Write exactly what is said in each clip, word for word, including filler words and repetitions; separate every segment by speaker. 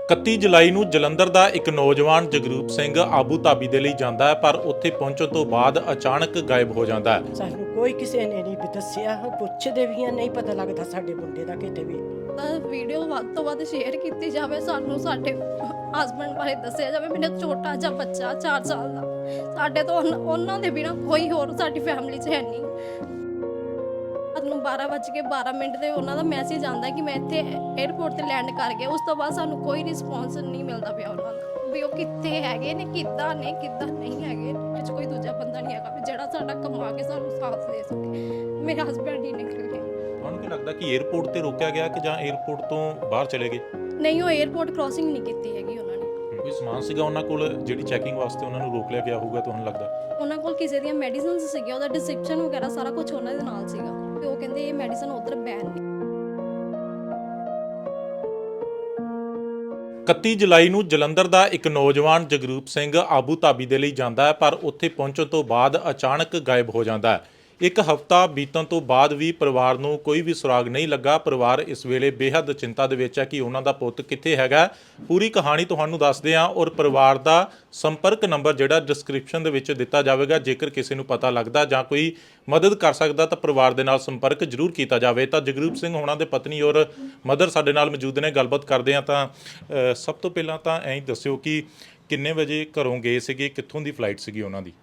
Speaker 1: ਇਕੱਤੀ ਜੁਲਾਈ ਨੂੰ ਜਲੰਧਰ ਦਾ ਇੱਕ ਨੌਜਵਾਨ ਜਗਰੂਪ ਸਿੰਘ ਆਬੂ ਧਾਬੀ ਦੇ ਲਈ ਜਾਂਦਾ ਹੈ, ਪਰ ਉੱਥੇ ਪਹੁੰਚਣ ਤੋਂ ਬਾਅਦ ਅਚਾਨਕ ਗਾਇਬ ਹੋ ਜਾਂਦਾ ਹੈ।
Speaker 2: ਸਾਨੂੰ ਕੋਈ ਕਿਸੇ ਨੇ ਨਹੀਂ ਵੀ ਦੱਸਿਆ, ਪੁੱਛਦੇ ਵੀ ਆ, ਨਹੀਂ ਪਤਾ ਲੱਗਦਾ ਸਾਡੇ ਮੁੰਡੇ ਦਾ ਕਿਤੇ ਵੀ।
Speaker 3: ਤਾਂ ਵੀਡੀਓ ਵੱਧ ਤੋਂ ਵੱਧ ਸ਼ੇਅਰ ਕੀਤੀ ਜਾਵੇ, ਸਾਨੂੰ ਸਾਡੇ ਹਸਬੰਡ ਬਾਰੇ ਦੱਸਿਆ ਜਾਵੇ। ਮੇਰਾ ਛੋਟਾ ਜਿਹਾ ਬੱਚਾ ਚਾਰ ਸਾਲ ਦਾ, ਸਾਡੇ ਤੋਂ ਉਹਨਾਂ- ਉਹਨਾਂ ਦੇ ਬਿਨਾਂ ਕੋਈ ਹੋਰ ਸਾਡੀ ਫੈਮਿਲੀ 'ਚ ਹੈ ਨਹੀਂ। ਨੂੰ ਬਾਰਾਂ ਵੱਜ ਕੇ ਬਾਰਾਂ ਮਿੰਟ ਤੇ ਉਹਨਾਂ ਦਾ ਮੈਸੇਜ ਆਉਂਦਾ ਕਿ ਮੈਂ ਇੱਥੇ 에ਅਰਪੋਰਟ ਤੇ ਲੈਂਡ ਕਰ ਗਿਆ। ਉਸ ਤੋਂ ਬਾਅਦ ਸਾਨੂੰ ਕੋਈ ਰਿਸਪੌਂਸ ਨਹੀਂ ਮਿਲਦਾ ਪਿਆ ਉਹਨਾਂ ਦਾ ਵੀ ਉਹ ਕਿੱਥੇ ਹੈਗੇ ਨੇ, ਕਿੱਦਾਂ ਨੇ, ਕਿੱਦਾਂ ਨਹੀਂ ਹੈਗੇ। ਵਿੱਚ ਕੋਈ ਦੂਜਾ ਬੰਦਾ ਨਹੀਂ ਹੈਗਾ ਵੀ ਜਿਹੜਾ ਸਾਡਾ ਕਮਾ ਕੇ ਸਾਨੂੰ ਸਾਥ ਦੇ ਸਕੇ। ਮੇਰੇ ਹਸਬੰਡ ਹੀ ਨਿਕਲ ਗਏ।
Speaker 1: ਤੁਹਾਨੂੰ ਕੀ ਲੱਗਦਾ ਕਿ 에ਅਰਪੋਰਟ ਤੇ ਰੋਕਿਆ ਗਿਆ ਕਿ ਜਾਂ 에ਅਰਪੋਰਟ ਤੋਂ ਬਾਹਰ ਚਲੇ ਗਏ?
Speaker 3: ਨਹੀਂ, ਉਹ 에ਅਰਪੋਰਟ ਕ੍ਰਾਸਿੰਗ ਨਹੀਂ ਕੀਤੀ ਹੈਗੀ ਉਹਨਾਂ ਨੇ।
Speaker 1: ਕੋਈ ਸਮਾਨ ਸੀਗਾ ਉਹਨਾਂ ਕੋਲ ਜਿਹੜੀ ਚੈਕਿੰਗ ਵਾਸਤੇ ਉਹਨਾਂ ਨੂੰ ਰੋਕ ਲਿਆ ਗਿਆ ਹੋਊਗਾ ਤੁਹਾਨੂੰ ਲੱਗਦਾ?
Speaker 3: ਉਹਨਾਂ ਕੋਲ ਕਿਸੇ ਦੀਆਂ ਮੈਡੀਸਿਨਸ ਸੀਗੀਆਂ, ਉਹਦਾ ਡਿਸਕ੍ਰਿਪਸ਼ਨ ਵਗੈਰਾ ਸਾਰਾ ਕੁਝ ਉਹਨਾਂ ਦੇ ਨਾਲ ਸੀਗਾ ਤੇ ਉਹ ਕਹਿੰਦੇ ਇਹ ਮੈਡੀਸਨ ਉਧਰ ਬੈਨ ਨੇ।
Speaker 1: ਇਕੱਤੀ ਜੁਲਾਈ ਨੂੰ ਜਲੰਧਰ ਦਾ ਇੱਕ ਨੌਜਵਾਨ ਜਗਰੂਪ ਸਿੰਘ ਆਬੂ ਧਾਬੀ ਦੇ ਲਈ ਜਾਂਦਾ ਹੈ, ਪਰ ਉੱਥੇ ਪਹੁੰਚਣ ਤੋਂ ਬਾਅਦ ਅਚਾਨਕ ਗਾਇਬ ਹੋ ਜਾਂਦਾ ਹੈ। ਇੱਕ ਹਫ਼ਤਾ ਬੀਤਣ ਤੋਂ ਬਾਅਦ ਵੀ ਪਰਿਵਾਰ ਨੂੰ ਕੋਈ ਵੀ ਸੁਰਾਗ ਨਹੀਂ ਲੱਗਾ। ਪਰਿਵਾਰ ਇਸ ਵੇਲੇ ਬੇਹੱਦ ਚਿੰਤਾ ਦੇ ਵਿੱਚ ਹੈ ਕਿ ਉਹਨਾਂ ਦਾ ਪੁੱਤ ਕਿੱਥੇ ਹੈਗਾ। ਪੂਰੀ ਕਹਾਣੀ ਤੁਹਾਨੂੰ ਦੱਸਦੇ ਹਾਂ ਔਰ ਪਰਿਵਾਰ ਦਾ ਸੰਪਰਕ ਨੰਬਰ ਜਿਹੜਾ ਡਿਸਕ੍ਰਿਪਸ਼ਨ ਦੇ ਵਿੱਚ ਦਿੱਤਾ ਜਾਵੇਗਾ। ਜੇਕਰ ਕਿਸੇ ਨੂੰ ਪਤਾ ਲੱਗਦਾ ਜਾਂ ਕੋਈ ਮਦਦ ਕਰ ਸਕਦਾ ਤਾਂ ਪਰਿਵਾਰ ਦੇ ਨਾਲ ਸੰਪਰਕ ਜ਼ਰੂਰ ਕੀਤਾ ਜਾਵੇ। ਤਾਂ ਜਗਰੂਪ ਸਿੰਘ ਹੋਣਾ ਦੇ ਪਤਨੀ ਔਰ ਮਦਰ ਸਾਡੇ ਨਾਲ ਮੌਜੂਦ ਨੇ, ਗੱਲਬਾਤ ਕਰਦੇ ਹਾਂ। ਤਾਂ ਸਭ ਤੋਂ ਪਹਿਲਾਂ ਤਾਂ ਐਂ ਦੱਸਿਓ ਕਿ ਕਿੰਨੇ ਵਜੇ ਘਰੋਂ ਗਏ ਸੀਗੇ, ਕਿੱਥੋਂ ਦੀ ਫਲਾਈਟ ਸੀਗੀ ਉਹਨਾਂ ਦੀ?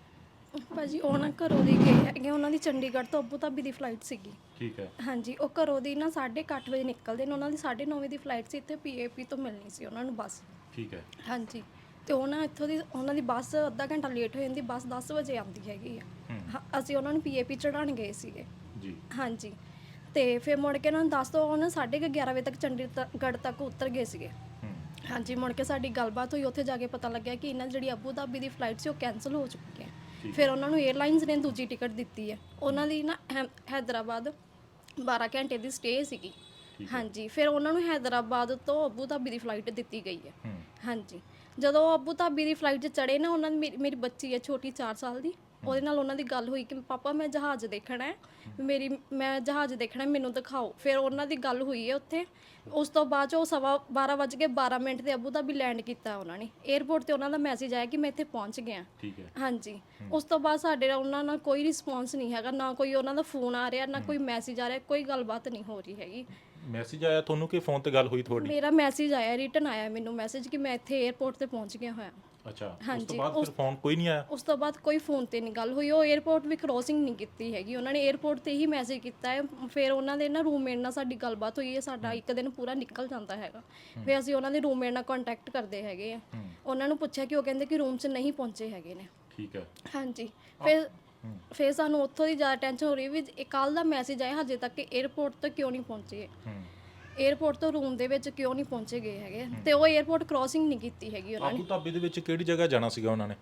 Speaker 3: ਭਾਜੀ ਉਹ ਨਾ ਘਰੋਂ ਦੀ ਗਏ ਹੈਗੇ, ਉਹਨਾਂ ਦੀ ਚੰਡੀਗੜ੍ਹ ਤੋਂ ਅਬੂ ਧਾਬੀ ਦੀ ਫਲਾਈਟ ਸੀਗੀ।
Speaker 1: ਠੀਕ ਹੈ।
Speaker 3: ਹਾਂਜੀ, ਉਹ ਘਰੋਂ ਦੀ ਨਾ ਸਾਢੇ ਕੁ ਅੱਠ ਵਜੇ ਨਿਕਲਦੇ ਨੇ। ਉਹਨਾਂ ਦੀ ਸਾਢੇ ਨੌ ਵਜੇ ਦੀ ਫਲਾਈਟ ਸੀ, ਇੱਥੇ ਪੀਏਪੀ ਤੋਂ ਮਿਲਣੀ ਸੀ ਉਹਨਾਂ ਨੂੰ ਬੱਸ।
Speaker 1: ਠੀਕ ਹੈ।
Speaker 3: ਹਾਂਜੀ, ਤੇ ਉਹ ਨਾ ਇੱਥੋਂ ਦੀ ਉਹਨਾਂ ਦੀ ਬੱਸ ਅੱਧਾ ਘੰਟਾ ਲੇਟ ਹੋ ਜਾਂਦੀ, ਬੱਸ ਦਸ ਵਜੇ ਆਉਂਦੀ ਹੈਗੀ ਆ। ਹਾਂ, ਅਸੀਂ ਉਹਨਾਂ ਨੂੰ ਪੀਏਪੀ ਚੜ੍ਹਾਉਣ ਗਏ ਸੀਗੇ
Speaker 1: ਜੀ।
Speaker 3: ਹਾਂਜੀ, ਤੇ ਫਿਰ ਮੁੜ ਕੇ ਉਹਨਾਂ ਨੂੰ ਦੱਸ ਤੋਂ ਉਹਨਾਂ ਸਾਢੇ ਕੁ ਗਿਆਰਾਂ ਵਜੇ ਤੱਕ ਚੰਡੀਗੜ੍ਹ ਤੱਕ ਉਤਰ ਗਏ ਸੀਗੇ। ਹਾਂਜੀ, ਮੁੜ ਕੇ ਸਾਡੀ ਗੱਲਬਾਤ ਹੋਈ, ਉੱਥੇ ਜਾ ਕੇ ਪਤਾ ਲੱਗਿਆ ਕਿ ਇਹਨਾਂ ਦੀ ਜਿਹੜੀ ਅਬੂ ਧਾਬੀ ਦੀ ਫਲਾਈਟ ਸੀ ਉਹ ਕੈਂਸਲ ਹੋ ਚੁੱਕੀ ਹੈ। ਫਿਰ ਉਹਨਾਂ ਨੂੰ 에ਅਰਲਾਈਨਸ ਨੇ ਦੂਜੀ ਟਿਕਟ ਦਿੱਤੀ ਹੈ। ਉਹਨਾਂ ਦੀ ਨਾ ਹੈਮ ਹੈਦਰਾਬਾਦ ਬਾਰਾਂ ਘੰਟੇ ਦੀ ਸਟੇ ਸੀਗੀ। ਹਾਂਜੀ, ਫਿਰ ਉਹਨਾਂ ਨੂੰ ਹੈਦਰਾਬਾਦ ਤੋਂ ਅਬੂ ਧਾਬੀ ਦੀ ਫਲਾਈਟ ਦਿੱਤੀ ਗਈ ਹੈ। ਹਾਂਜੀ, ਜਦੋਂ ਉਹ ਅਬੂ ਧਾਬੀ ਦੀ ਫਲਾਈਟ 'ਚ ਚੜ੍ਹੇ ਨਾ, ਉਹਨਾਂ ਦੀ ਮੇਰੀ ਬੱਚੀ ਹੈ ਛੋਟੀ ਚਾਰ ਸਾਲ ਦੀ, ਉਹਦੇ ਨਾਲ ਉਹਨਾਂ ਦੀ ਗੱਲ ਹੋਈ ਕਿ ਪਾਪਾ ਮੈਂ ਜਹਾਜ਼ ਦੇਖਣਾ ਹੈ, ਮੇਰੀ ਮੈਂ ਜਹਾਜ਼ ਦੇਖਣਾ, ਮੈਨੂੰ ਦਿਖਾਓ। ਫਿਰ ਉਹਨਾਂ ਦੀ ਗੱਲ ਹੋਈ ਹੈ ਉੱਥੇ। ਉਸ ਤੋਂ ਬਾਅਦ 'ਚ ਉਹ ਸਵਾ ਬਾਰਾਂ ਵੱਜ ਕੇ ਬਾਰਾਂ ਮਿੰਟ 'ਤੇ ਅਬੂ ਧਾਬੀ ਲੈਂਡ ਕੀਤਾ ਉਹਨਾਂ ਨੇ। ਏਅਰਪੋਰਟ 'ਤੇ ਉਹਨਾਂ ਦਾ ਮੈਸੇਜ ਆਇਆ ਕਿ ਮੈਂ ਇੱਥੇ ਪਹੁੰਚ ਗਿਆ।
Speaker 1: ਠੀਕ ਹੈ।
Speaker 3: ਹਾਂਜੀ, ਉਸ ਤੋਂ ਬਾਅਦ ਸਾਡੇ ਨਾਲ ਉਹਨਾਂ ਨਾਲ ਕੋਈ ਰਿਸਪੌਂਸ ਨਹੀਂ ਹੈਗਾ, ਨਾ ਕੋਈ ਉਹਨਾਂ ਦਾ ਫੋਨ ਆ ਰਿਹਾ, ਨਾ ਕੋਈ ਮੈਸੇਜ ਆ ਰਿਹਾ, ਕੋਈ ਗੱਲਬਾਤ ਨਹੀਂ ਹੋ ਰਹੀ ਹੈਗੀ।
Speaker 1: ਮੈਸੇਜ ਆਇਆ ਤੁਹਾਨੂੰ ਕਿ ਫੋਨ ਤੇ ਗੱਲ ਹੋਈ ਤੁਹਾਡੀ?
Speaker 3: ਮੇਰਾ ਮੈਸੇਜ ਆਇਆ, ਰਿਟਨ ਆਇਆ ਮੈਨੂੰ ਮੈਸੇਜ ਕਿ ਮੈਂ ਇੱਥੇ ਏਅਰਪੋਰਟ 'ਤੇ ਪਹੁੰਚ ਗਿਆ ਹੋਇਆ।
Speaker 1: ਅੱਛਾ, ਉਸ
Speaker 3: ਹਾਂਜੀ,
Speaker 1: ਤੋਂ ਬਾਅਦ
Speaker 3: ਉਸ-
Speaker 1: ਫਿਰ ਫੋਨ ਕੋਈ ਨਹੀਂ ਆਇਆ?
Speaker 3: ਉਸ ਤੋਂ ਬਾਅਦ ਕੋਈ ਫੋਨ ਤੇ ਨਹੀਂ ਗੱਲ ਹੋਈ। ਉਹ 에ਅਰਪੋਰਟ ਵੀ ਕ੍ਰੋਸਿੰਗ ਨਹੀਂ ਕੀਤੀ ਹੈਗੀ, ਉਹਨਾਂ ਨੇ 에ਅਰਪੋਰਟ ਤੇ ਹੀ ਮੈਸੇਜ ਕੀਤਾ ਹੈ। ਫਿਰ ਉਹਨਾਂ ਦੇ ਨਾ ਰੂਮਮੇਟ ਨਾਲ ਸਾਡੀ ਗੱਲਬਾਤ ਹੋਈ ਹੈ, ਸਾਡਾ ਇੱਕ ਦਿਨ ਪੂਰਾ ਨਿਕਲ ਜਾਂਦਾ ਹੈਗਾ। ਫਿਰ ਅਸੀਂ ਉਹਨਾਂ ਦੇ ਰੂਮਮੇਟ ਨਾਲ ਕੰਟੈਕਟ ਕਰਦੇ ਹੈਗੇ ਆ, ਉਹਨਾਂ ਨੂੰ ਪੁੱਛਿਆ ਕਿ ਉਹ ਕਹਿੰਦੇ ਕਿ ਰੂਮ 'ਚ ਨਹੀਂ ਪਹੁੰਚੇ ਹੈਗੇ ਨੇ।
Speaker 1: ਠੀਕ ਹੈ।
Speaker 3: ਹਾਂਜੀ, ਫਿਰ ਫਿਰ ਸਾਨੂੰ ਉੱਥੋਂ ਦੀ ਜ਼ਿਆਦਾ ਟੈਨਸ਼ਨ ਹੋ ਰਹੀ ਵੀ ਕੱਲ੍ਹ ਦਾ ਮੈਸੇਜ ਆਇਆ, ਹਜੇ ਤੱਕ 에ਅਰਪੋਰਟ ਤੋਂ ਕਿਉਂ ਨਹੀਂ ਪਹੁੰਚੇ, ਏਅਰਪੋਰਟ ਤੋਂ ਰੂਮ ਦੇ ਵਿੱਚ ਕਿਉਂ ਨਹੀਂ ਪਹੁੰਚੇ ਗਏ ਹੈਗੇ। ਤੇ ਉਹ ਏਅਰਪੋਰਟ ਕ੍ਰੋਸਿੰਗ ਨਹੀਂ ਕੀਤੀ ਹੈਗੀ ਉਹਨਾਂ ਨੇ।
Speaker 1: ਆਬੂ ਧਾਬੀ ਦੇ ਵਿੱਚ ਕਿਹੜੀ ਜਗ੍ਹਾ ਜਾਣਾ ਸੀਗਾ ਉਹਨਾਂ ਨੇ?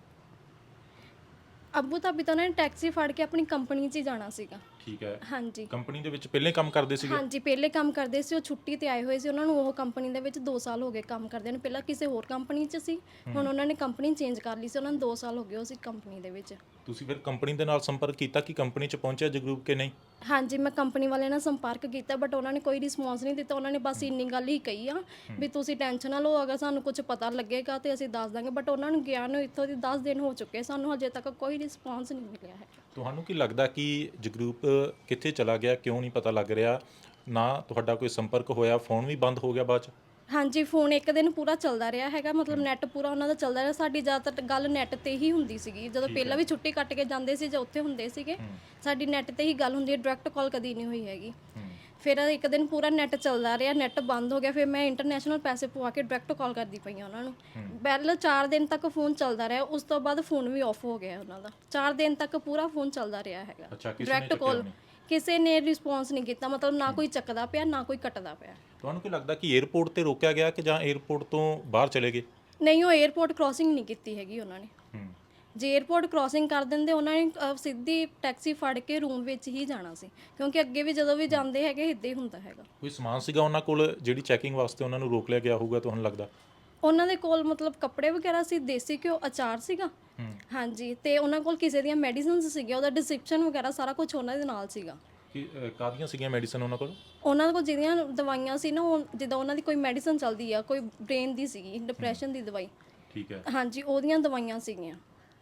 Speaker 3: ਅਬੂ ਧਾਬੀ ਤੋਂ ਉਹਨਾਂ ਨੇ ਟੈਕਸੀ ਫੜ ਕੇ ਆਪਣੀ ਕੰਪਨੀ 'ਚ ਹੀ ਜਾਣਾ ਸੀਗਾ।
Speaker 1: ਠੀਕ ਹੈ।
Speaker 3: ਹਾਂਜੀ,
Speaker 1: ਕੰਪਨੀ ਦੇ ਵਿੱਚ ਪਹਿਲੇ ਕੰਮ ਕਰਦੇ ਸੀਗੇ?
Speaker 3: ਹਾਂਜੀ, ਪਹਿਲੇ ਕੰਮ ਕਰਦੇ ਸੀ। ਉਹ ਛੁੱਟੀ ਤੇ ਆਏ ਹੋਏ ਸੀ। ਉਹਨਾਂ ਨੂੰ ਉਹ ਕੰਪਨੀ ਦੇ ਵਿੱਚ ਦੋ ਸਾਲ ਹੋ ਗਏ ਕੰਮ ਕਰਦੇ ਨੇ। ਪਹਿਲਾਂ ਕਿਸੇ ਹੋਰ ਕੰਪਨੀ 'ਚ ਸੀ, ਹੁਣ ਉਹਨਾਂ ਨੇ ਕੰਪਨੀ ਚੇਂਜ ਕਰ ਲਈ ਸੀ। ਉਹਨਾਂ ਨੂੰ ਦੋ ਸਾਲ ਹੋ ਗਏ ਉਸ ਕੰਪਨੀ ਦੇ ਵਿੱਚ।
Speaker 1: ਤੁਸੀਂ ਫਿਰ ਕੰਪਨੀ ਦੇ ਨਾਲ ਸੰਪਰਕ ਕੀਤਾ ਕਿ ਕੰਪਨੀ 'ਚ ਪਹੁੰਚਿਆ ਜਗਰੂਪ ਕਿ ਨਹੀਂ?
Speaker 3: ਹਾਂਜੀ, ਮੈਂ ਕੰਪਨੀ ਵਾਲਿਆਂ ਨਾਲ ਸੰਪਰਕ ਕੀਤਾ, ਬਟ ਉਹਨਾਂ ਨੇ ਕੋਈ ਰਿਸਪੌਂਸ ਨਹੀਂ ਦਿੱਤਾ। ਉਹਨਾਂ ਨੇ ਬਸ ਇੰਨੀ ਗੱਲ ਹੀ ਕਹੀ ਆ ਵੀ ਤੁਸੀਂ ਟੈਨਸ਼ਨ ਨਾ ਲਓ, ਅਗਰ ਸਾਨੂੰ ਕੁਝ ਪਤਾ ਲੱਗੇਗਾ ਤੇ ਅਸੀਂ ਦੱਸ ਦਾਂਗੇ। ਬਟ ਉਹਨਾਂ ਨੂੰ ਗਿਆ ਨੂੰ ਇੱਥੋਂ ਦੀ ਦਸ ਦਿਨ ਹੋ ਚੁੱਕੇ, ਸਾਨੂੰ ਹਜੇ ਤੱਕ ਕੋਈ ਰਿਸਪੌਂਸ ਨਹੀਂ ਮਿਲਿਆ ਹੈ।
Speaker 1: ਤੁਹਾਨੂੰ ਕੀ ਲੱਗਦਾ ਕਿ ਜਗਰੂਪ ਕਿੱਥੇ ਚਲਾ ਗਿਆ, ਕਿਉਂ ਨਹੀਂ ਪਤਾ ਲੱਗ ਰਿਹਾ? ਨਾ ਤੁਹਾਡਾ ਕੋਈ ਸੰਪਰਕ ਹੋਇਆ, ਫੋਨ ਵੀ ਬੰਦ ਹੋ ਗਿਆ ਬਾਅਦ 'ਚ?
Speaker 3: ਹਾਂਜੀ, ਫੋਨ ਇੱਕ ਦਿਨ ਪੂਰਾ ਚੱਲਦਾ ਰਿਹਾ ਹੈਗਾ, ਮਤਲਬ ਨੈੱਟ ਪੂਰਾ ਉਹਨਾਂ ਦਾ ਚੱਲਦਾ ਰਿਹਾ। ਸਾਡੀ ਜ਼ਿਆਦਾਤਰ ਗੱਲ ਨੈੱਟ ਤੇ ਹੀ ਹੁੰਦੀ ਸੀਗੀ। ਜਦੋਂ ਪਹਿਲਾਂ ਵੀ ਛੁੱਟੀ ਕੱਟ ਕੇ ਜਾਂਦੇ ਸੀ ਜਾਂ ਉੱਥੇ ਹੁੰਦੇ ਸੀਗੇ, ਸਾਡੀ ਨੈੱਟ ਤੇ ਹੀ ਗੱਲ ਹੁੰਦੀ ਹੈ, ਡਾਇਰੈਕਟ ਕਾਲ ਕਦੀ ਨਹੀਂ ਹੋਈ ਹੈਗੀ। ਫਿਰ ਇੱਕ ਦਿਨ ਪੂਰਾ ਨੈੱਟ ਚੱਲਦਾ ਰਿਹਾ, ਨੈੱਟ ਬੰਦ ਹੋ ਗਿਆ। ਫਿਰ ਮੈਂ ਇੰਟਰਨੈਸ਼ਨਲ ਪੈਸੇ ਪਵਾ ਕੇ ਡਾਇਰੈਕਟ ਕਾਲ ਕਰਦੀ ਪਈ ਉਹਨਾਂ ਨੂੰ। ਪਹਿਲਾਂ ਚਾਰ ਦਿਨ ਤੱਕ ਫੋਨ ਚੱਲਦਾ ਰਿਹਾ, ਉਸ ਤੋਂ ਬਾਅਦ ਫੋਨ ਵੀ ਆਫ ਹੋ ਗਿਆ ਉਹਨਾਂ ਦਾ। ਚਾਰ ਦਿਨ ਤੱਕ ਪੂਰਾ ਫੋਨ ਚੱਲਦਾ ਰਿਹਾ ਹੈਗਾ, ਡਾਇਰੈਕਟ ਕਾਲ। ਕਿਸੇ ਨੇ ਰਿਸਪੌਂਸ ਨਹੀਂ ਕੀਤਾ, ਮਤਲਬ ਨਾ ਕੋਈ ਚੱਕਦਾ ਪਿਆ, ਨਾ ਕੋਈ ਕੱਟਦਾ ਪਿਆ। ਤੁਹਾਨੂੰ
Speaker 1: ਕੀ ਲੱਗਦਾ ਕਿ 에ਅਰਪੋਰਟ ਤੇ ਰੋਕਿਆ ਗਿਆ ਕਿ ਜਾਂ 에ਅਰਪੋਰਟ ਤੋਂ ਬਾਹਰ ਚਲੇ ਗਏ?
Speaker 3: ਨਹੀਂ, ਉਹ 에ਅਰਪੋਰਟ ਕ੍ਰੋਸਿੰਗ ਨਹੀਂ ਕੀਤੀ ਹੈਗੀ ਉਹਨਾਂ ਨੇ। ਜੇ 에ਅਰਪੋਰਟ ਕ੍ਰੋਸਿੰਗ ਕਰ ਦਿੰਦੇ, ਉਹਨਾਂ ਨੇ ਸਿੱਧੀ ਟੈਕਸੀ ਫੜ ਕੇ ਰੂਮ ਵਿੱਚ ਹੀ ਜਾਣਾ ਸੀ, ਕਿਉਂਕਿ ਅੱਗੇ ਵੀ ਜਦੋਂ ਵੀ ਜਾਂਦੇ ਹੈਗੇ ਇੱਦਾਂ ਹੀ ਹੁੰਦਾ ਹੈਗਾ।
Speaker 1: ਕੋਈ ਸਮਾਨ ਸੀਗਾ ਉਹਨਾਂ ਕੋਲ ਜਿਹੜੀ ਚੈਕਿੰਗ ਵਾਸਤੇ ਉਹਨਾਂ ਨੂੰ ਰੋਕ ਲਿਆ ਗਿਆ ਹੋਊਗਾ ਤੁਹਾਨੂੰ ਲੱਗਦਾ?
Speaker 3: ਉਹਨਾਂ ਦੇ ਕੋਲ ਮਤਲਬ ਕੱਪੜੇ ਵਗੈਰਾ ਸੀ, ਦੇਸੀ ਘਿਓ, ਅਚਾਰ ਸੀਗਾ। ਹਾਂਜੀ, ਤੇ ਉਹਨਾਂ ਕੋਲ ਕਿਸੇ ਦੀਆਂ ਮੈਡੀਸਿਨਸ ਸੀਗੀਆਂ, ਉਹਦਾ ਡਿਸਕ੍ਰਿਪਸ਼ਨ ਵਗੈਰਾ ਸਾਰਾ ਕੁਝ ਉਹਨਾਂ ਦੇ ਨਾਲ ਸੀਗਾ।
Speaker 1: ਕਿ ਕਾਹਦੀਆਂ ਸੀਗੀਆਂ ਮੈਡੀਸਨ ਉਹਨਾਂ ਕੋਲ?
Speaker 3: ਉਹਨਾਂ ਕੋਲ ਜਿਹੜੀਆਂ ਦਵਾਈਆਂ ਸੀ ਨਾ, ਉਹ ਜਿੱਦਾਂ ਉਹਨਾਂ ਦੀ ਕੋਈ ਮੈਡੀਸਨ ਚੱਲਦੀ ਆ, ਕੋਈ ਬ੍ਰੇਨ ਦੀ ਸੀਗੀ, ਡਿਪਰੈਸ਼ਨ ਦੀ ਦਵਾਈ।
Speaker 1: ਠੀਕ ਹੈ।
Speaker 3: ਹਾਂਜੀ, ਉਹਦੀਆਂ ਦਵਾਈਆਂ ਸੀਗੀਆਂ।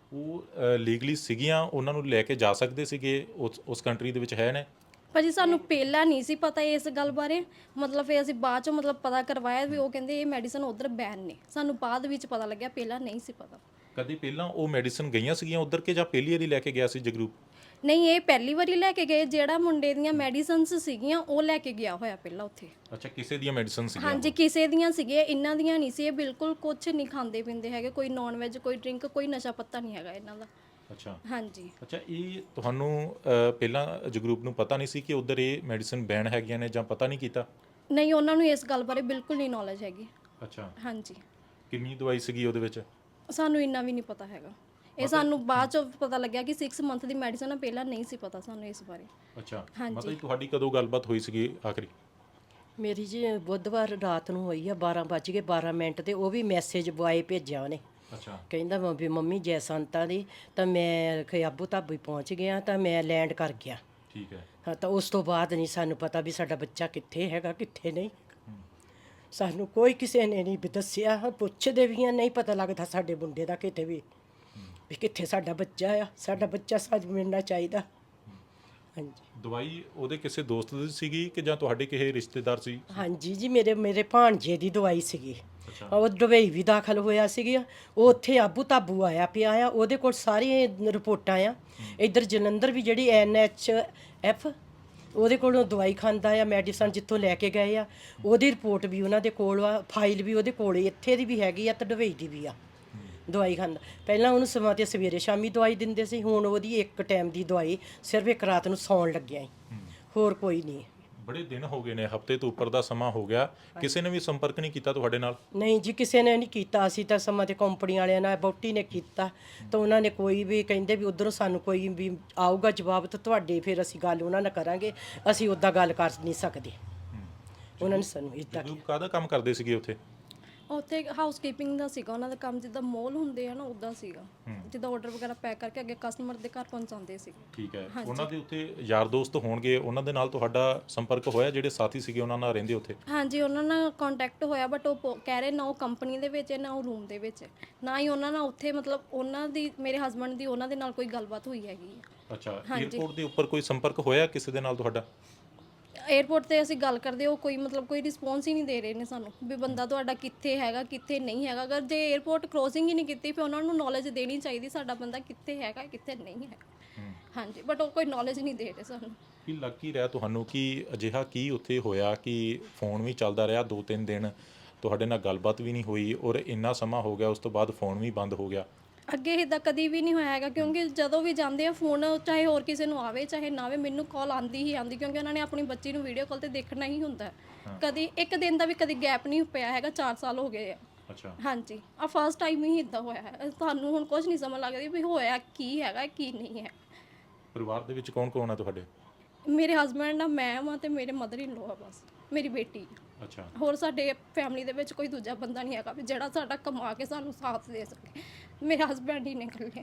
Speaker 1: ਉਹ ਲੀਗਲੀ ਸੀਗੀਆਂ, ਉਹਨਾਂ ਨੂੰ ਲੈ ਕੇ ਜਾ ਸਕਦੇ ਸੀਗੇ ਉਸ ਉਸ ਕੰਟਰੀ ਦੇ ਵਿੱਚ ਹੈ ਨੇ?
Speaker 3: ਭਾਜੀ ਸਾਨੂੰ ਪਹਿਲਾਂ ਨਹੀਂ ਸੀ ਪਤਾ ਇਸ ਗੱਲ ਬਾਰੇ, ਮਤਲਬ ਫਿਰ ਅਸੀਂ ਬਾਅਦ ਚੋਂ ਮਤਲਬ ਪਤਾ ਕਰਵਾਇਆ ਵੀ ਉਹ ਕਹਿੰਦੇ ਇਹ ਮੈਡੀਸਨ ਉਧਰ ਬੈਨ ਨੇ। ਸਾਨੂੰ ਬਾਅਦ ਵਿੱਚ ਪਤਾ ਲੱਗਿਆ, ਪਹਿਲਾਂ ਨਹੀਂ ਸੀ ਪਤਾ।
Speaker 1: ਕਦੇ ਪਹਿਲਾਂ ਉਹ ਮੈਡੀਸਨ ਗਈਆਂ ਸੀਗੀਆਂ ਉਧਰ ਕੇ ਜਾਂ ਪਹਿਲੀ ਵਾਰੀ ਲੈ ਕੇ ਗਿਆ ਸੀ ਜਗਰੂਪ?
Speaker 3: ਨਹੀਂ, ਇਹ ਪਹਿਲੀ ਵਾਰੀ ਲੈ ਕੇ ਗਏ। ਜਿਹੜਾ ਮੁੰਡੇ ਦੀਆਂ ਮੈਡੀਸਨਸ ਸੀਗੀਆਂ ਉਹ ਲੈ ਕੇ ਗਿਆ ਹੋਇਆ ਪਹਿਲਾਂ ਉੱਥੇ।
Speaker 1: ਅੱਛਾ, ਕਿਸੇ ਦੀਆਂ ਮੈਡੀਸਨ ਸੀਗੀਆਂ?
Speaker 3: ਹਾਂਜੀ, ਕਿਸੇ ਦੀਆਂ ਸੀਗੀਆਂ, ਇਹਨਾਂ ਦੀਆਂ ਨਹੀਂ ਸੀ। ਇਹ ਬਿਲਕੁਲ ਕੁਝ ਨਹੀਂ ਖਾਂਦੇ ਪੀਂਦੇ ਹੈਗੇ, ਕੋਈ ਨੌਨ ਵੈਜ, ਕੋਈ ਡਰਿੰਕ, ਕੋਈ ਨਸ਼ਾ ਪੱਤਾ ਨਹੀਂ ਹੈਗਾ ਇਹਨਾਂ ਦਾ।
Speaker 1: ਅੱਛਾ।
Speaker 3: ਹਾਂਜੀ।
Speaker 1: ਅੱਛਾ, ਇਹ ਤੁਹਾਨੂੰ ਅ, ਪਹਿਲਾਂ ਜਗਰੂਪ ਨੂੰ ਪਤਾ ਨਹੀਂ ਸੀ ਕਿ ਉਧਰ ਇਹ ਮੈਡੀਸਨ ਬੈਨ ਹੈਗੀਆਂ ਨੇ ਜਾਂ ਪਤਾ ਨਹੀਂ ਕੀਤਾ?
Speaker 3: ਨਹੀਂ, ਉਹਨਾਂ ਨੂੰ ਇਸ ਗੱਲ ਬਾਰੇ ਬਿਲਕੁਲ ਨਹੀਂ ਨੌਲੇਜ ਹੈਗੀ।
Speaker 1: ਅੱਛਾ।
Speaker 3: ਹਾਂਜੀ।
Speaker 1: ਕਿੰਨੀ ਦਵਾਈ ਸੀਗੀ ਉਹਦੇ ਵਿੱਚ?
Speaker 3: ਸਾਨੂੰ ਇੰਨਾ ਵੀ ਨਹੀਂ ਪਤਾ ਹੈਗਾ। ਇਹ ਸਾਨੂੰ ਬਾਅਦ ਚ ਪਤਾ ਲੱਗਿਆ ਕਿ ਛੇ ਮੰਥ ਦੀ ਮੈਡੀਸਨ ਆ, ਪਹਿਲਾਂ ਨਹੀਂ ਸੀ ਪਤਾ ਸਾਨੂੰ ਇਸ ਬਾਰੇ।
Speaker 1: ਅੱਛਾ।
Speaker 3: ਹਾਂਜੀ।
Speaker 1: ਮਤਲਬ ਤੁਹਾਡੀ ਕਦੋਂ ਗੱਲਬਾਤ ਹੋਈ ਸੀਗੀ ਆਖਰੀ?
Speaker 2: ਮੇਰੀ ਜੀ ਬੁੱਧਵਾਰ ਰਾਤ ਨੂੰ ਹੋਈ ਆ, ਬਾਰਾਂ ਵੱਜ ਕੇ ਬਾਰਾਂ ਮਿੰਟ ਤੇ ਉਹ ਵੀ ਮੈਸੇਜ ਬੁਆਏ ਭੇਜਿਆ ਉਹਨੇ।
Speaker 1: ਅੱਛਾ।
Speaker 2: ਕਹਿੰਦਾ ਵਾ ਵੀ ਮੰਮੀ ਜੈ ਸੰਤਾਂ ਦੀ, ਤਾਂ ਮੈਂ ਖਿਆਬੂ ਧਾਬੀ ਪਹੁੰਚ ਗਿਆ, ਤਾਂ ਮੈਂ ਲੈਂਡ ਕਰ ਗਿਆ।
Speaker 1: ਠੀਕ ਹੈ।
Speaker 2: ਹਾਂ, ਤਾਂ ਉਸ ਤੋਂ ਬਾਅਦ ਨਹੀਂ ਸਾਨੂੰ ਪਤਾ ਵੀ ਸਾਡਾ ਬੱਚਾ ਕਿੱਥੇ ਹੈਗਾ, ਕਿੱਥੇ ਨਹੀਂ। ਸਾਨੂੰ ਕੋਈ ਕਿਸੇ ਨੇ ਨਹੀਂ ਵੀ ਦੱਸਿਆ, ਪੁੱਛਦੇ ਵੀ ਆ, ਨਹੀਂ ਪਤਾ ਲੱਗਦਾ ਸਾਡੇ ਮੁੰਡੇ ਦਾ ਕਿਤੇ ਵੀ ਵੀ ਕਿੱਥੇ ਸਾਡਾ ਬੱਚਾ ਆ। ਸਾਡਾ ਬੱਚਾ ਸਾਨੂੰ ਮਿਲਣਾ ਚਾਹੀਦਾ। ਹਾਂਜੀ।
Speaker 1: ਦਵਾਈ ਉਹਦੇ ਕਿਸੇ ਦੋਸਤ ਦੀ ਸੀਗੀ ਕਿ ਜਾਂ ਤੁਹਾਡੇ ਕਿਸੇ ਰਿਸ਼ਤੇਦਾਰ ਸੀ?
Speaker 2: ਹਾਂਜੀ ਜੀ, ਮੇਰੇ ਮੇਰੇ ਭਾਣਜੇ ਦੀ ਦਵਾਈ ਸੀਗੀ।
Speaker 1: ਅੱਛਾ।
Speaker 2: ਉਹ ਦੁਬਈ ਵੀ ਦਾਖਲ ਹੋਇਆ ਸੀਗੀ, ਉਹ ਉੱਥੇ ਆਬੂ ਤਾਬੂ ਆਇਆ ਪਿਆ ਆ, ਉਹਦੇ ਕੋਲ ਸਾਰੀਆਂ ਰਿਪੋਰਟਾਂ ਆ। ਇੱਧਰ ਜਲੰਧਰ ਵੀ ਜਿਹੜੀ ਐਨ ਐਚ ਐਫ ਉਹਦੇ ਕੋਲੋਂ ਦਵਾਈ ਖਾਂਦਾ ਆ, ਮੈਡੀਸਨ ਜਿੱਥੋਂ ਲੈ ਕੇ ਗਏ ਆ ਉਹਦੀ ਰਿਪੋਰਟ ਵੀ ਉਹਨਾਂ ਦੇ ਕੋਲ ਆ, ਫਾਈਲ ਵੀ ਉਹਦੇ ਕੋਲ, ਇੱਥੇ ਦੀ ਵੀ ਹੈਗੀ ਆ ਤੇ ਦੁਬਈ ਦੀ ਵੀ ਆ। ਦਵਾਈ ਖਾਂਦਾ, ਪਹਿਲਾਂ ਉਹਨੂੰ ਸਮਾਂ ਤੇ ਸਵੇਰੇ ਸ਼ਾਮੀ ਦਵਾਈ ਦਿੰਦੇ ਸੀ, ਹੁਣ ਉਹਦੀ ਇੱਕ ਟਾਈਮ ਦੀ ਦਵਾਈ ਸਿਰਫ ਇੱਕ ਰਾਤ ਨੂੰ ਸੌਣ ਲੱਗਿਆ ਹੀ, ਹੋਰ ਕੋਈ ਨਹੀਂ।
Speaker 1: ਬੜੇ ਦਿਨ ਹੋ ਗਏ ਨੇ, ਹਫਤੇ ਤੋਂ ਉੱਪਰ ਦਾ ਸਮਾਂ ਹੋ ਗਿਆ, ਕਿਸੇ ਨੇ ਵੀ ਸੰਪਰਕ ਨਹੀਂ ਕੀਤਾ ਤੁਹਾਡੇ ਨਾਲ?
Speaker 2: ਨਹੀਂ ਜੀ, ਕਿਸੇ ਨੇ ਨਹੀਂ ਕੀਤਾ। ਅਸੀਂ ਤਾਂ ਸਮਾਂ ਤੇ ਕੰਪਨੀ ਵਾਲਿਆਂ ਨਾਲ, ਬੌਟੀ ਨੇ ਕੀਤਾ, ਤਾਂ ਉਹਨਾਂ ਨੇ ਕੋਈ ਵੀ ਕਹਿੰਦੇ ਵੀ ਉਧਰੋਂ ਸਾਨੂੰ ਕੋਈ ਵੀ ਆਊਗਾ ਜਵਾਬ ਤਾਂ ਤੁਹਾਡੇ ਫਿਰ ਅਸੀਂ ਗੱਲ ਉਹਨਾਂ ਨਾਲ ਕਰਾਂਗੇ, ਅਸੀਂ ਉੱਦਾਂ ਗੱਲ ਕਰ ਨਹੀਂ ਸਕਦੇ। ਉਹਨਾਂ ਨੇ ਸਾਨੂੰ ਇੱਦਾਂ
Speaker 1: ਜਗਰੂਪ ਕਾਹਦਾ ਕੰਮ ਕਰਦੇ ਸੀਗੇ ਉੱਥੇ?
Speaker 3: ਉੱਥੇ ਹਾਊਸ ਕੀਪਿੰਗ ਦਾ ਸੀਗਾ ਉਹਨਾਂ ਦਾ ਕੰਮ, ਜਿੱਦਾਂ ਮੋਲ ਹੁੰਦੇ ਆ ਨਾ ਉੱਦਾਂ ਸੀਗਾ, ਜਿੱਦਾਂ ਆਰਡਰ ਵਗੈਰਾ ਪੈਕ ਕਰਕੇ ਅੱਗੇ ਕਸਟਮਰ ਦੇ ਘਰ ਪਹੁੰਚਾਉਂਦੇ ਸੀ।
Speaker 1: ਠੀਕ ਹੈ। ਉਹਨਾਂ ਦੇ ਉੱਥੇ ਯਾਰ ਦੋਸਤ ਹੋਣਗੇ, ਉਹਨਾਂ ਦੇ ਨਾਲ ਤੁਹਾਡਾ ਸੰਪਰਕ ਹੋਇਆ, ਜਿਹੜੇ ਸਾਥੀ ਸੀਗੇ ਉਹਨਾਂ ਨਾਲ ਰਹਿੰਦੇ ਉੱਥੇ?
Speaker 3: ਹਾਂਜੀ, ਉਹਨਾਂ ਨਾਲ ਕੰਟੈਕਟ ਹੋਇਆ, ਬਟ ਉਹ ਪੋ- ਕਹਿ ਰਹੇ ਨਾ ਉਹ ਕੰਪਨੀ ਦੇ ਵਿੱਚ ਹੈ, ਨਾ ਉਹ ਰੂਮ ਦੇ ਵਿੱਚ ਹੈ, ਨਾ ਹੀ ਉਹਨਾਂ ਨਾਲ ਉੱਥੇ ਮਤਲਬ ਉਹਨਾਂ ਦੀ, ਮੇਰੇ ਹਸਬੰਡ ਦੀ ਉਹਨਾਂ ਦੇ ਨਾਲ ਕੋਈ ਗੱਲਬਾਤ ਹੋਈ ਹੈਗੀ ਹੈ।
Speaker 1: ਅੱਛਾ। 에ਅਰਪੋਰਟ ਦੇ ਉੱਪਰ ਕੋਈ ਸੰਪਰਕ ਹੋਇਆ ਕਿਸੇ ਦੇ ਨਾਲ ਤੁਹਾਡਾ?
Speaker 3: 에ਅਰਪੋਰਟ ਤੇ ਅਸੀਂ ਗੱਲ ਕਰਦੇ, ਉਹ ਕੋਈ ਮਤਲਬ ਕੋਈ ਰਿਸਪੌਂਸ ਹੀ ਨਹੀਂ ਦੇ ਰਹੇ ਨੇ ਸਾਨੂੰ ਵੀ ਬੰਦਾ ਤੁਹਾਡਾ ਕਿੱਥੇ ਹੈਗਾ, ਕਿੱਥੇ ਨਹੀਂ ਹੈਗਾ। ਅਗਰ ਜੇ 에ਅਰਪੋਰਟ ਕ੍ਰੋਸਿੰਗ ਹੀ ਨਹੀਂ ਕੀਤੀ ਫਿਰ ਉਹਨਾਂ ਨੂੰ ਨੌਲੇਜ ਦੇਣੀ ਚਾਹੀਦੀ ਸਾਡਾ ਬੰਦਾ ਕਿੱਥੇ ਹੈਗਾ, ਕਿੱਥੇ ਨਹੀਂ ਹੈਗਾ। ਹਾਂਜੀ, ਬਟ ਉਹ ਕੋਈ ਨੌਲੇਜ ਨਹੀਂ ਦੇ ਰਹੇ ਸਾਨੂੰ।
Speaker 1: ਕੀ ਲੱਗ ਕੀ ਰਿਹਾ ਤੁਹਾਨੂੰ ਕਿ ਅਜਿਹਾ ਕੀ ਉੱਥੇ ਹੋਇਆ ਕਿ ਫੋਨ ਵੀ ਚੱਲਦਾ ਰਿਹਾ ਦੋ ਤਿੰਨ ਦਿਨ, ਤੁਹਾਡੇ ਨਾਲ ਗੱਲਬਾਤ ਵੀ ਨਹੀਂ ਹੋਈ, ਔਰ ਇੰਨਾ ਸਮਾਂ ਹੋ ਗਿਆ ਉਸ ਤੋਂ ਬਾਅਦ ਫੋਨ ਵੀ ਬੰਦ ਹੋ ਗਿਆ?
Speaker 3: ਅੱਗੇ ਇੱਦਾਂ ਕਦੀ ਵੀ ਨਹੀਂ ਹੋਇਆ ਹੈਗਾ, ਕਿਉਂਕਿ ਜਦੋਂ ਵੀ ਜਾਂਦੇ ਆ ਫੋਨ, ਚਾਹੇ ਹੋਰ ਕਿਸੇ ਨੂੰ ਆਵੇ ਚਾਹੇ ਨਾ ਆਵੇ, ਮੈਨੂੰ ਕਾਲ ਆਂਦੀ ਹੀ ਆਂਦੀ, ਕਿਉਂਕਿ ਉਹਨਾਂ ਨੇ ਆਪਣੀ ਬੱਚੀ ਨੂੰ ਵੀਡੀਓ ਕਾਲ ਤੇ ਦੇਖਣਾ ਹੀ ਹੁੰਦਾ। ਕਦੀ ਇੱਕ ਦਿਨ ਦਾ ਵੀ ਕਦੀ ਗੈਪ ਨਹੀਂ ਪਿਆ ਹੈਗਾ, ਚਾਰ ਸਾਲ ਹੋ ਗਏ ਆ।
Speaker 1: ਅੱਛਾ।
Speaker 3: ਹਾਂਜੀ, ਆ ਫਸਟ ਟਾਈਮ ਹੀ ਇਦਾਂ ਹੋਇਆ ਹੈ। ਤੁਹਾਨੂੰ ਹੁਣ ਕੁਝ ਨਹੀਂ ਸਮਝ ਲੱਗਦੀ ਵੀ ਹੋਇਆ ਕੀ ਹੈਗਾ ਕੀ ਨਹੀਂ ਹੈ।
Speaker 1: ਪਰਿਵਾਰ ਦੇ ਵਿੱਚ ਕੌਣ ਕੌਣ ਆ ਤੁਹਾਡੇ?
Speaker 3: ਮੇਰੇ ਹਸਬੰਡ ਆ, ਮੈਂ ਵਾਂ ਤੇ ਮੇਰੇ ਮਦਰ ਇਨ ਲੋ ਆ, ਬਸ ਮੇਰੀ ਬੇਟੀ।
Speaker 1: ਅੱਛਾ।
Speaker 3: ਹੋਰ ਸਾਡੇ ਫੈਮਿਲੀ ਦੇ ਵਿੱਚ ਕੋਈ ਦੂਜਾ ਬੰਦਾ ਨਹੀਂ ਹੈਗਾ ਵੀ ਜਿਹੜਾ ਸਾਡਾ ਕਮਾ ਕੇ ਸਾਨੂੰ ਸਾਥ ਦੇ ਸਕੇ। ਮੇਰੇ ਹਸਬੰਡ ਹੀ ਨੇ ਇਕੱਲੇ।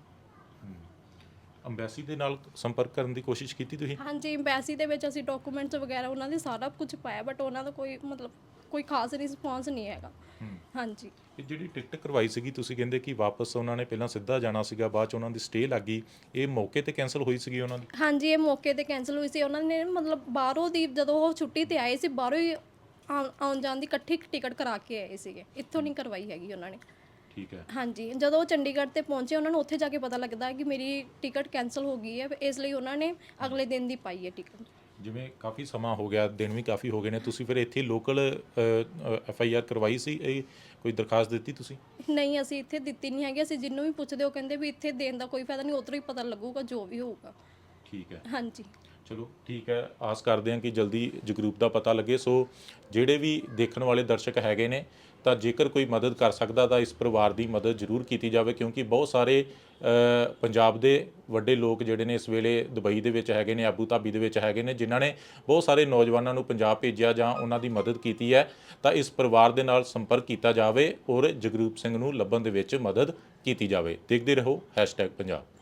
Speaker 1: ਅੰਬੈਸੀ ਦੇ ਨਾਲ ਸੰਪਰਕ ਕਰਨ ਦੀ ਕੋਸ਼ਿਸ਼ ਕੀਤੀ ਤੁਸੀਂ?
Speaker 3: ਹਾਂਜੀ, ਐਮਬੈਸੀ ਦੇ ਵਿੱਚ ਅਸੀਂ ਡਾਕੂਮੈਂਟਸ ਵਗੈਰਾ ਉਹਨਾਂ ਦੇ ਸਾਰਾ ਕੁਝ ਪਾਇਆ, ਬਟ ਉਹਨਾਂ ਦਾ ਕੋਈ ਮਤਲਬ ਕੋਈ ਖਾਸ ਰਿਸਪੌਂਸ ਨਹੀਂ ਹੈਗਾ। ਹਾਂਜੀ।
Speaker 1: ਇਹ ਜਿਹੜੀ ਟਿਕਟ ਕਰਵਾਈ ਸੀਗੀ ਤੁਸੀਂ ਕਹਿੰਦੇ ਕਿ ਵਾਪਸ ਉਹਨਾਂ ਨੇ ਪਹਿਲਾਂ ਸਿੱਧਾ ਜਾਣਾ ਸੀਗਾ, ਬਾਅਦ ਚ ਉਹਨਾਂ ਦੀ ਸਟੇ ਲੱਗ ਗਈ, ਇਹ ਮੌਕੇ ਤੇ ਕੈਂਸਲ ਹੋਈ ਸੀਗੀ ਉਹਨਾਂ ਦੀ?
Speaker 3: ਹਾਂਜੀ, ਇਹ ਮੌਕੇ ਤੇ ਕੈਂਸਲ ਹੋਈ ਸੀ। ਉਹਨਾਂ ਨੇ ਮਤਲਬ ਬਾਹਰੋਂ ਦੀ ਜਦੋਂ ਉਹ ਛੁੱਟੀ ਤੇ ਆਏ ਸੀ, ਬਾਹਰੋਂ ਹੀ ਆਉਣ ਆਉਣ ਜਾਣ ਦੀ ਇਕੱਠੀ ਟਿਕਟ ਕਰਾ ਕੇ ਆਏ ਸੀਗੇ, ਇੱਥੋਂ ਨਹੀਂ ਕਰਵਾਈ ਹੈਗੀ ਉਹਨਾਂ ਨੇ।
Speaker 1: ਠੀਕ ਹੈ।
Speaker 3: ਹਾਂਜੀ, ਜਦੋਂ ਉਹ ਚੰਡੀਗੜ੍ਹ ਤੇ ਪਹੁੰਚੇ ਉਹਨਾਂ ਨੂੰ ਉੱਥੇ ਜਾ ਕੇ ਪਤਾ ਲੱਗਦਾ ਕਿ ਮੇਰੀ ਟਿਕਟ ਕੈਂਸਲ ਹੋ ਗਈ ਹੈ, ਇਸ ਲਈ ਉਹਨਾਂ ਨੇ ਅਗਲੇ ਦਿਨ ਦੀ ਪਾਈ ਹੈ ਟਿਕਟ।
Speaker 1: ਜਿਵੇਂ ਕਾਫੀ ਸਮਾਂ ਹੋ ਗਿਆ, ਦਿਨ ਵੀ ਕਾਫੀ ਹੋ ਗਏ ਨੇ, ਤੁਸੀਂ ਫਿਰ ਇੱਥੇ ਲੋਕਲ ਐਫ ਆਈ ਆਰ ਕਰਵਾਈ ਸੀ, ਇਹ ਕੋਈ ਦਰਖਾਸਤ ਦਿੱਤੀ ਤੁਸੀਂ?
Speaker 3: ਨਹੀਂ, ਅਸੀਂ ਇੱਥੇ ਦਿੱਤੀ ਨਹੀਂ ਹੈਗੀ। ਅਸੀਂ ਜਿਹਨੂੰ ਵੀ ਪੁੱਛਦੇ ਉਹ ਕਹਿੰਦੇ ਵੀ ਇੱਥੇ ਦੇਣ ਦਾ ਕੋਈ ਫਾਇਦਾ ਨਹੀਂ, ਉੱਧਰੋਂ ਹੀ ਪਤਾ ਲੱਗੂਗਾ ਜੋ ਵੀ ਹੋਊਗਾ।
Speaker 1: ਠੀਕ ਹੈ।
Speaker 3: ਹਾਂਜੀ।
Speaker 1: ਚਲੋ ਠੀਕ ਹੈ, ਆਸ ਕਰਦੇ ਹਾਂ ਕਿ ਜਲਦੀ ਜਗਰੂਪ ਦਾ ਪਤਾ ਲੱਗੇ। ਸੋ ਜਿਹੜੇ ਵੀ ਦੇਖਣ ਵਾਲੇ ਦਰਸ਼ਕ ਹੈਗੇ ਨੇ, ਤਾਂ ਜੇਕਰ ਕੋਈ ਮਦਦ ਕਰ ਸਕਦਾ ਤਾਂ ਇਸ ਪਰਿਵਾਰ ਦੀ ਮਦਦ ਜ਼ਰੂਰ ਕੀਤੀ ਜਾਵੇ, ਕਿਉਂਕਿ ਬਹੁਤ ਸਾਰੇ ਪੰਜਾਬ ਦੇ ਵੱਡੇ ਲੋਕ ਜਿਹੜੇ ਨੇ ਇਸ ਵੇਲੇ ਦੁਬਈ ਦੇ ਵਿੱਚ ਹੈਗੇ ਨੇ, ਆਬੂ ਧਾਬੀ ਦੇ ਵਿੱਚ ਹੈਗੇ ਨੇ, ਜਿਨ੍ਹਾਂ ਨੇ ਬਹੁਤ ਸਾਰੇ ਨੌਜਵਾਨਾਂ ਨੂੰ ਪੰਜਾਬ ਭੇਜਿਆ ਜਾਂ ਉਹਨਾਂ ਦੀ ਮਦਦ ਕੀਤੀ ਹੈ। ਤਾਂ ਇਸ ਪਰਿਵਾਰ ਦੇ ਨਾਲ ਸੰਪਰਕ ਕੀਤਾ ਜਾਵੇ ਔਰ ਜਗਰੂਪ ਸਿੰਘ ਨੂੰ ਲੱਭਣ ਦੇ ਵਿੱਚ ਮਦਦ ਕੀਤੀ ਜਾਵੇ। ਦੇਖਦੇ ਰਹੋ ਹੈਸ਼ਟੈਗ ਪੰਜਾਬ।